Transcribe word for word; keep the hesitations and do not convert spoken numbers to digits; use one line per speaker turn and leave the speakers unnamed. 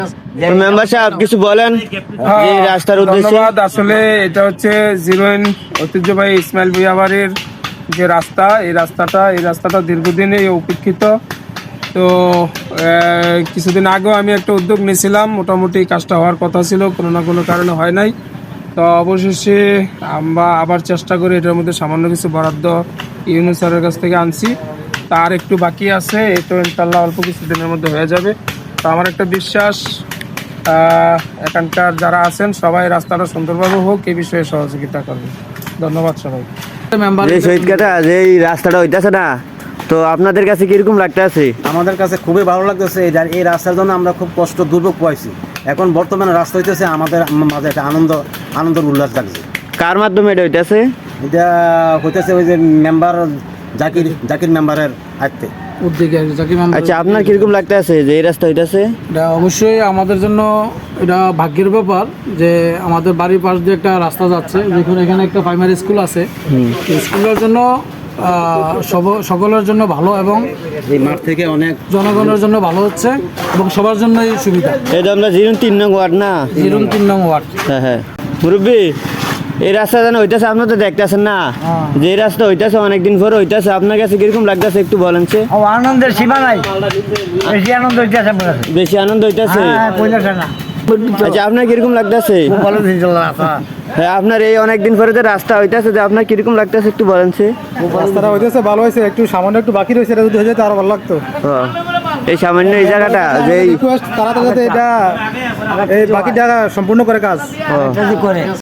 Member সাহেব কিছু বলেন এই রাস্তার উদ্দেশ্যে।
ধন্যবাদ। আসলে এটা হচ্ছে জিরোইন ঐতিহ্যবাহী ইসমাইল ভুঁইয়া বাড়ির যে রাস্তা, এই রাস্তাটা এই রাস্তাটা দীর্ঘদিনে উপেক্ষিত। তো আহ, কিছুদিন আগেও আমি একটা উদ্যোগ নিয়েছিলাম, মোটামুটি কাজটা হওয়ার কথা ছিল, কোনো না কোনো কারণে হয় নাই। তো অবশেষে আমরা আবার চেষ্টা করি, এটার মধ্যে সামান্য কিছু বরাদ্দ ইউনুস স্যারের কাছ থেকে আনছি, তার একটু বাকি আছে, এই তো ইনশাল্লাহ অল্প কিছুদিনের মধ্যে হয়ে যাবে। তো আমার একটা বিশ্বাস, আহ, এখানকার যারা আছেন সবাই রাস্তাটা সুন্দরভাবে হোক এই বিষয়ে সহযোগিতা করবে। ধন্যবাদ সবাই।
যে শহীদ কাটা যে এই রাস্তাটা হইতেছে না, তো আপনাদের কাছে কিরকম লাগতে আছে?
আমাদের কাছে খুবই ভালো লাগতেছে। এই এই রাস্তার জন্য আমরা খুব কষ্ট দুর্ভোগ পাইছি। এখন বর্তমানে রাস্তা হইতেছে আমাদের মাঝে একটা আনন্দ আনন্দ উল্লাস লাগছে।
কার মাধ্যমে এটা হইতেছে?
এটা হইতেছে ওই যে মেম্বার জাকির জাকির মেম্বারের হাতে
উদ্যোগে জাকির মেম্বার।
আচ্ছা, আপনার কিরকম লাগতে আছে যে এই রাস্তা হইতেছে?
এটা অবশ্যই আমাদের জন্য এটা ভাগ্যের ব্যাপার যে আমাদের বাড়ির পাশ দিয়ে একটা রাস্তা যাচ্ছে, দেখুন এখানে একটা প্রাইমারি স্কুল আছে। স্কুলের জন্য আহ, সব- সকলের জন্য ভালো এবং
এই মাঠ থেকে অনেক
জনগণের জন্য ভালো হচ্ছে এবং সবার জন্যই সুবিধা।
এটা আমরা জিরুন তিন নং ওয়ার্ড না?
এরকম তিন নং ওয়ার্ড।
হ্যাঁ হ্যাঁ মুরব্বী, এই রাস্তা যেন হইতেছে, আপনার তো দেখতেছেন না যে এই রাস্তা হইতেছে অনেকদিন পরে হইতেছে, আপনার কাছে কিরকম লাগতেছে একটু বলেন।
ও আনন্দের সীমা নাই, বেশি আনন্দ হইতেছে আমার কাছে।
বেশি আনন্দ হইতেছে?
হ্যাঁ, কইলাছে না।
আচ্ছা, আপনার কিরকম লাগতেছে?
খুব ভালো দিন চললো রাস্তা।
হ্যাঁ, আপনার এই অনেকদিন পরে যে রাস্তা হইতেছে, যে আপনার কিরকম লাগতেছে একটু বলেন।
রাস্তাটা হইতেছে ভালো হয়েছে, একটু সামান্য একটু বাকি রয়েছে, এটা যদি হয়ে যেত আরো ভালো লাগতো।
এই সামান্য এই জায়গাটা যে এই
রিকোয়েস্ট তাড়াতাড়ি যাতে এটা এই বাকি জায়গা সম্পূর্ণ করে কাজ
যদি করে